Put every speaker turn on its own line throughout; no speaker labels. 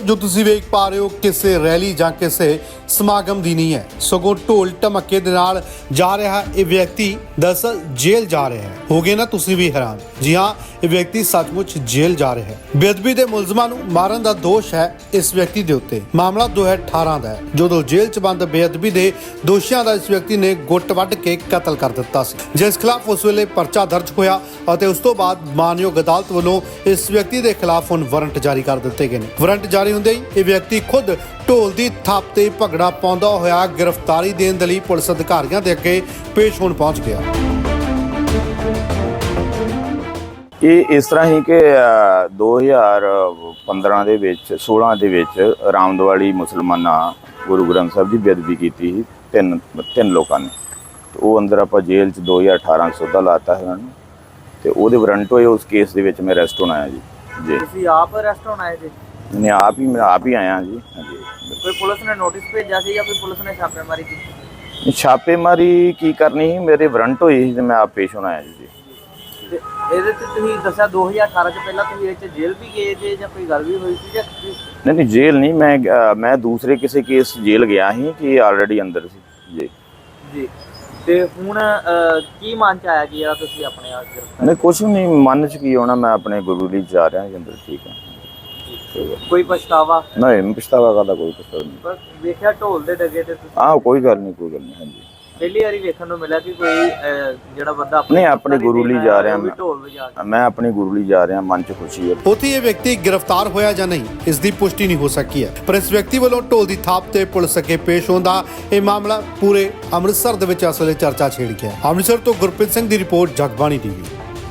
ਜੋ ਤੁਸੀਂ ਵੇਖ ਪਾ ਰਹੇ ਹੋ ਕਿਸੇ ਰੈਲੀ ਜਾਂ ਕਿਸੇ ਸਮਾਗਮ ਦੀ ਨਹੀਂ ਹੈ, ਸਗੋਂ ਢੋਲ ਢਮੱਕੇ ਦੇ ਨਾਲ ਜਾ ਰਿਹਾ ਇਹ ਵਿਅਕਤੀ ਦਰਅਸਲ ਜੇਲ੍ਹ ਜਾ ਰਿਹਾ ਹੈ। ਹੋਗੇ ਨਾ ਤੁਸੀਂ ਵੀ ਹੈਰਾਨ। ਜੀ ਹਾਂ, ਇਹ ਵਿਅਕਤੀ ਸੱਚਮੁੱਚ ਜੇਲ੍ਹ ਜਾ ਰਿਹਾ ਹੈ। ਬੇਅਦਬੀ ਦੇ ਮੁਲਜ਼ਮਾਂ ਨੂੰ ਮਾਰਨ ਦਾ ਦੋਸ਼ ਹੈ ਇਸ ਵਿਅਕਤੀ ਦੇ ਉੱਤੇ। ਮਾਮਲਾ 2018 ਦਾ ਹੈ, ਜਦੋਂ ਜੇਲ੍ਹ 'ਚ ਬੰਦ ਬੇਅਦਬੀ ਦੇ ਦੋਸ਼ੀਆਂ ਦਾ ਇਸ ਵਿਅਕਤੀ ਨੇ ਗੁੱਟ ਵੱਢ ਕੇ ਕਤਲ ਕਰ ਦਿੱਤਾ ਸੀ, ਜਿਸ ਖਿਲਾਫ ਉਸ ਵੇਲੇ ਪਰਚਾ ਦਰਜ ਹੋਇਆ ਅਤੇ ਉਸ ਤੋਂ ਬਾਅਦ ਮਾਨਯੋਗ ਅਦਾਲਤ ਵੱਲੋਂ ਇਸ ਵਿਅਕਤੀ ਦੇ ਖਿਲਾਫ ਹੁਣ ਵਾਰੰਟ ਜਾਰੀ ਕਰ ਦਿੱਤੇ ਗਏ ਨੇ। ਵਾਰੰਟ ਜਾਰੀ ਹੁੰਦੇ ਹੀ ਇਹ ਵਿਅਕਤੀ ਖੁਦ ਢੋਲ ਦੀ ਥਾਪ ਤੇ ਭੰਗੜਾ ਪਾਉਂਦਾ ਹੋਇਆ ਗ੍ਰਿਫਤਾਰੀ ਦੇਣ ਦੇ ਲਈ ਪੁਲਿਸ ਅਧਿਕਾਰੀਆਂ ਦੇ ਅੱਗੇ ਪੇਸ਼ ਹੋਣ ਪਹੁੰਚ ਗਿਆ।
ਇਹ ਇਸ ਤਰ੍ਹਾਂ ਹੀ ਕਿ 2015 ਦੇ ਵਿੱਚ 16 ਦੇ ਵਿੱਚ ਰਾਮਦਵਾਲੀ ਮੁਸਲਮਾਨਾਂ ਗੁਰੂ ਗ੍ਰੰਥ ਸਾਹਿਬ ਦੀ ਬੇਅਦਬੀ ਕੀਤੀ ਸੀ ਤਿੰਨ ਲੋਕਾਂ ਨੇ। ਉਹ ਅੰਦਰ ਆਪਾਂ ਜੇਲ੍ਹ 'ਚ 2018 ਸੌਦਾ ਲਾਤਾ ਹੈ ਉਹਨਾਂ ਨੂੰ, ਤੇ ਉਹਦੇ ਵਾਰੰਟ ਹੋਏ। ਉਸ ਕੇਸ ਦੇ ਵਿੱਚ ਮੈਂ ਅਰੈਸਟ ਹੋਣਾ ਹੈ ਜੀ।
ਤੁਸੀਂ ਆਪ ਅਰੈਸਟ ਹੋਣਾ ਹੈ ਜੀ?
ਮੈਂ ਆਪ ਹੀ ਆਇਆ ਜੀ। ਹਾਂਜੀ।
ਕੋਈ ਪੁਲਿਸ ਨੇ ਨੋਟਿਸ ਭੇਜਿਆ ਸੀ ਜਾਂ ਕੋਈ ਪੁਲਿਸ ਨੇ ਛਾਪੇਮਾਰੀ ਕੀਤੀ?
ਛਾਪੇਮਾਰੀ ਕੀ ਕਰਨੀ ਸੀ, ਮੇਰੇ ਵਾਰੰਟ ਹੋਏ ਸੀ ਤੇ ਮੈਂ ਆਪ ਪੇਸ਼ ਹੋਣਾ ਹੈ ਜੀ।
ਤੇ ਇਹਦੇ ਤੇ ਤੁਸੀਂ ਦੱਸਿਆ 2018 ਚ ਪਹਿਲਾਂ ਤੁਸੀਂ ਇਹ 'ਚ ਜੇਲ੍ਹ ਵੀ ਗਏ ਜੇ ਜਾਂ ਕੋਈ ਗੱਲ ਵੀ ਹੋਈ ਸੀ ਜਾਂ
ਨਹੀਂ ਜੇਲ੍ਹ ਨਹੀਂ, ਮੈਂ ਦੂਸਰੇ ਕਿਸੇ ਕੇਸ ਜੇਲ੍ਹ ਗਿਆ ਸੀ ਕਿ ਆਲਰੇਡੀ ਅੰਦਰ ਸੀ ਜੀ।
ਜੀ ਤੇ ਹੁਣ ਕੀ ਮਨ ਚ ਆਇਆ ਕਿ ਯਾਰ ਤੁਸੀਂ ਆਪਣੇ ਆਪ ਗ੍ਰਿਫਤਾਰ?
ਨਹੀਂ ਕੁਛ ਨਹੀਂ, ਮਨ 'ਚ ਕੀ ਹੋਣਾ, ਮੈਂ ਆਪਣੇ ਗੁਰੂ ਲਈ ਜਾ ਰਿਹਾ ਜੀ ਅੰਦਰ। ਠੀਕ ਹੈ।
ਕੋਈ ਪਛਤਾਵਾ
ਨਹੀਂ, ਪਛਤਾਵਾ ਕਰਦਾ ਕੋਈ ਪਛਤਾਵਾ ਨਹੀਂ।
ਬਸ ਵੇਖਿਆ ਢੋਲ ਦੇ ਡਗੇ ਤੇ ਤੁਸੀਂ
ਕੋਈ ਗੱਲ ਨਹੀਂ ਹਾਂਜੀ।
ਪਹਿਲੀ ਵਾਰੀ ਵੇਖਣ ਨੂੰ ਮਿਲਿਆ ਕਿ ਕੋਈ ਜਿਹੜਾ ਬੰਦਾ
ਨਹੀਂ ਆਪਣੇ ਗੁਰੂ ਲਈ ਜਾ ਰਿਹਾ
ਢੋਲ ਵਜਾ ਕੇ।
ਮੈਂ ਆਪਣੇ ਗੁਰੂ ਲਈ ਜਾ ਰਿਹਾ, ਮਨ 'ਚ ਖੁਸ਼ੀ ਹੈ।
ਉੱਥੇ ਇਹ ਵਿਅਕਤੀ ਗ੍ਰਿਫਤਾਰ ਹੋਇਆ ਜਾਂ ਨਹੀਂ, ਇਸ ਦੀ ਪੁਸ਼ਟੀ ਨਹੀਂ ਹੋ ਸਕੀ ਹੈ, ਪਰ ਇਸ ਵਿਅਕਤੀ ਵੱਲੋਂ ਢੋਲ ਦੀ ਥਾਪ ਤੇ ਪੁਲਿਸ ਅੱਗੇ ਪੇਸ਼ ਹੋਣ ਦਾ ਇਹ ਮਾਮਲਾ ਪੂਰੇ ਅੰਮ੍ਰਿਤਸਰ ਦੇ ਵਿੱਚ ਅਸਲੇ ਚਰਚਾ ਛੇੜ ਗਿਆ। ਅੰਮ੍ਰਿਤਸਰ ਤੋਂ ਗੁਰਪ੍ਰੀਤ ਸਿੰਘ ਦੀ ਰਿਪੋਰਟ, ਜਗਬਾਣੀ ਟੀਵੀ।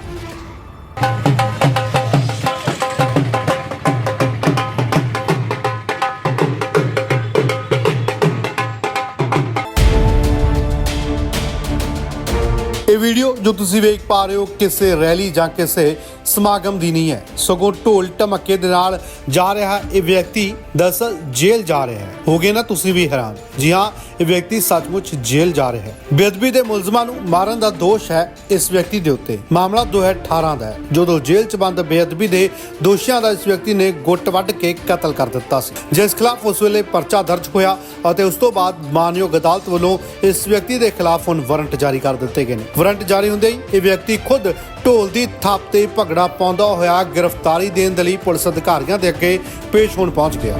ਇਹ ਵੀਡੀਓ ਜੋ ਤੁਸੀਂ ਵੇਖ ਪਾ ਰਹੇ ਹੋ ਕਿਸੇ ਰੈਲੀ ਜਾਂ ਕਿਸੇ ਸਮਾਗਮ ਦੀ ਨਹੀਂ ਹੈ, ਸਗੋਂ ਢੋਲ ਢਮੱਕੇ ਦੇ ਨਾਲ ਜਾ ਰਿਹਾ ਇਹ ਵਿਅਕਤੀ ਦਰਅਸਲ ਜੇਲ੍ਹ ਜਾ ਰਿਹਾ ਹੈ। ਹੋਗੇ ਨਾ ਤੁਸੀਂ ਵੀ ਹੈਰਾਨ। ਜੀ ਹਾਂ, ਇਹ ਵਿਅਕਤੀ ਸੱਚਮੁੱਚ ਜੇਲ੍ਹ ਜਾ ਰਿਹਾ ਹੈ। ਬੇਅਦਬੀ ਦੇ ਮੁਲਜ਼ਮਾਂ ਨੂੰ ਮਾਰਨ ਦਾ ਦੋਸ਼ ਹੈ ਇਸ ਵਿਅਕਤੀ ਦੇ ਉੱਤੇ। ਮਾਮਲਾ 2018 ਦਾ ਹੈ, ਜਦੋਂ ਜੇਲ੍ਹ 'ਚ ਬੰਦ ਬੇਅਦਬੀ ਦੇ ਦੋਸ਼ੀਆਂ ਦਾ ਇਸ ਵਿਅਕਤੀ ਨੇ ਗੁੱਟ ਵੱਢ ਕੇ ਕਤਲ ਕਰ ਦਿੱਤਾ ਸੀ, ਜਿਸ ਖਿਲਾਫ ਉਸ ਵੇਲੇ ਪਰਚਾ ਦਰਜ ਹੋਇਆ ਅਤੇ ਉਸ ਤੋਂ ਬਾਅਦ ਮਾਨਯੋਗ ਅਦਾਲਤ ਵੱਲੋਂ ਇਸ ਵਿਅਕਤੀ ਦੇ ਖਿਲਾਫ ਹੁਣ ਵਾਰੰਟ ਜਾਰੀ ਕਰ ਦਿੱਤੇ ਗਏ ਨੇ। ਵਾਰੰਟ ਜਾਰੀ ਹੁੰਦੇ ਹੀ ਇਹ ਵਿਅਕਤੀ ਖੁਦ ਢੋਲ ਦੀ ਥਾਪ ਤੇ ਭੰਗੜਾ ਪਾਉਂਦਾ ਹੋਇਆ ਗ੍ਰਿਫਤਾਰੀ ਦੇਣ ਦੇ ਲਈ ਪੁਲਿਸ ਅਧਿਕਾਰੀਆਂ ਦੇ ਅੱਗੇ ਪੇਸ਼ ਹੋਣ ਪਹੁੰਚ ਗਿਆ।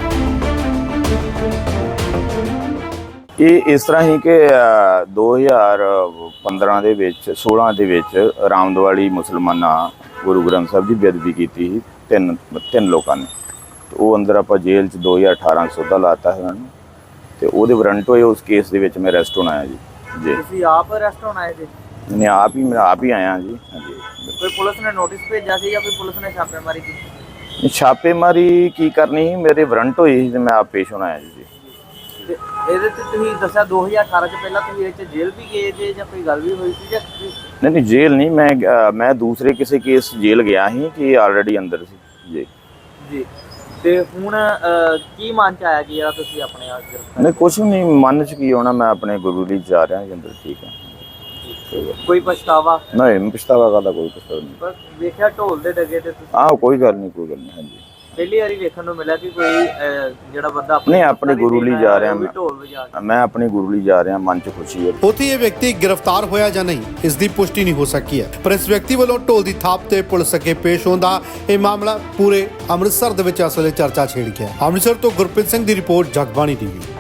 ਇਹ ਇਸ ਤਰ੍ਹਾਂ ਹੀ ਕਿ 2015 ਦੇ ਵਿੱਚ 16 ਦੇ ਵਿੱਚ ਰਾਮਦਵਾਲੀ ਮੁਸਲਮਾਨਾਂ ਗੁਰੂ ਗ੍ਰੰਥ ਸਾਹਿਬ ਦੀ ਬੇਅਦਬੀ ਕੀਤੀ ਸੀ ਤਿੰਨ ਲੋਕਾਂ ਨੇ। ਉਹ ਅੰਦਰ ਆਪਾਂ ਜੇਲ੍ਹ 'ਚ 2018 ਸੌਦਾ ਲਾਤਾ ਹੈ ਉਹਨਾਂ ਨੂੰ, ਤੇ ਉਹਦੇ ਵਾਰੰਟ ਹੋਏ। ਉਸ ਕੇਸ ਦੇ ਵਿੱਚ ਮੈਂ ਅਰੈਸਟ ਹੋਣਾ ਹੈ ਜੀ।
ਤੁਸੀਂ ਆਪ ਅਰੈਸਟ ਹੋਣਾ ਹੈ ਜੀ?
ਮੈਂ ਆਪ ਹੀ ਆਇਆ ਜੀ। ਹਾਂਜੀ।
ਕੋਈ ਪੁਲਿਸ ਨੇ ਨੋਟਿਸ ਭੇਜਿਆ ਸੀ ਜਾਂ ਕੋਈ ਪੁਲਿਸ ਨੇ ਛਾਪੇਮਾਰੀ ਕੀਤੀ?
ਛਾਪੇਮਾਰੀ ਕੀ ਕਰਨੀ ਸੀ, ਮੇਰੇ ਵਾਰੰਟ ਹੋਏ ਸੀ ਤੇ ਮੈਂ ਆਪ ਪੇਸ਼ ਹੋਣਾ ਹੈ ਜੀ।
ਤੇ ਇਹਦੇ ਤੇ ਤੁਸੀਂ ਦੱਸਿਆ 2018 ਚ ਪਹਿਲਾਂ ਤੁਸੀਂ ਇਹ 'ਚ ਜੇਲ੍ਹ ਵੀ ਗਏ ਜੇ ਜਾਂ ਕੋਈ ਗੱਲ ਵੀ ਹੋਈ ਸੀ ਜਾਂ
ਨਹੀਂ ਜੇਲ੍ਹ ਨਹੀਂ, ਮੈਂ ਦੂਸਰੇ ਕਿਸੇ ਕੇਸ ਜੇਲ੍ਹ ਗਿਆ ਸੀ ਕਿ ਆਲਰੇਡੀ ਅੰਦਰ ਸੀ ਜੀ।
ਜੀ ਤੇ ਹੁਣ ਕੀ ਮਨ ਚ ਆਇਆ ਕਿ ਯਾਰ ਤੁਸੀਂ ਆਪਣੇ ਆਪ ਗ੍ਰਿਫਤਾਰ?
ਨਹੀਂ ਕੁਛ ਨਹੀਂ, ਮਨ 'ਚ ਕੀ ਹੋਣਾ, ਮੈਂ ਆਪਣੇ ਗੁਰੂ ਲਈ ਜਾ ਰਿਹਾ ਜੀ ਅੰਦਰ। ਠੀਕ ਹੈ।
ਕੋਈ ਪਛਤਾਵਾ
ਨਹੀਂ, ਪਛਤਾਵਾ ਕਰਦਾ ਕੋਈ ਪਛਤਾਵਾ ਨਹੀਂ।
ਬਸ ਵੇਖਿਆ ਢੋਲ ਦੇ ਡਗੇ ਤੇ ਤੁਸੀਂ
ਕੋਈ ਗੱਲ ਨਹੀਂ ਹਾਂਜੀ।
ਪਹਿਲੀ ਵਾਰੀ ਵੇਖਣ ਨੂੰ ਮਿਲਿਆ ਕਿ ਕੋਈ ਜਿਹੜਾ ਬੰਦਾ
ਨਹੀਂ ਆਪਣੇ ਗੁਰੂ ਲਈ ਜਾ ਰਿਹਾ
ਢੋਲ ਵਜਾ ਕੇ।
ਮੈਂ ਆਪਣੇ ਗੁਰੂ ਲਈ ਜਾ ਰਿਹਾ, ਮਨ 'ਚ ਖੁਸ਼ੀ ਹੈ।
ਉੱਥੇ ਇਹ ਵਿਅਕਤੀ ਗ੍ਰਿਫਤਾਰ ਹੋਇਆ ਜਾਂ ਨਹੀਂ, ਇਸ ਦੀ ਪੁਸ਼ਟੀ ਨਹੀਂ ਹੋ ਸਕੀ ਹੈ, ਪਰ ਇਸ ਵਿਅਕਤੀ ਵੱਲੋਂ ਢੋਲ ਦੀ ਥਾਪ ਤੇ ਪੁਲਿਸ ਅੱਗੇ ਪੇਸ਼ ਹੋਣ ਦਾ ਇਹ ਮਾਮਲਾ ਪੂਰੇ ਅੰਮ੍ਰਿਤਸਰ ਦੇ ਵਿੱਚ ਅਸਲੇ ਚਰਚਾ ਛੇੜ ਗਿਆ। ਅੰਮ੍ਰਿਤਸਰ ਤੋਂ ਗੁਰਪ੍ਰੀਤ ਸਿੰਘ ਦੀ ਰਿਪੋਰਟ, ਜਗਬਾਣੀ ਟੀਵੀ।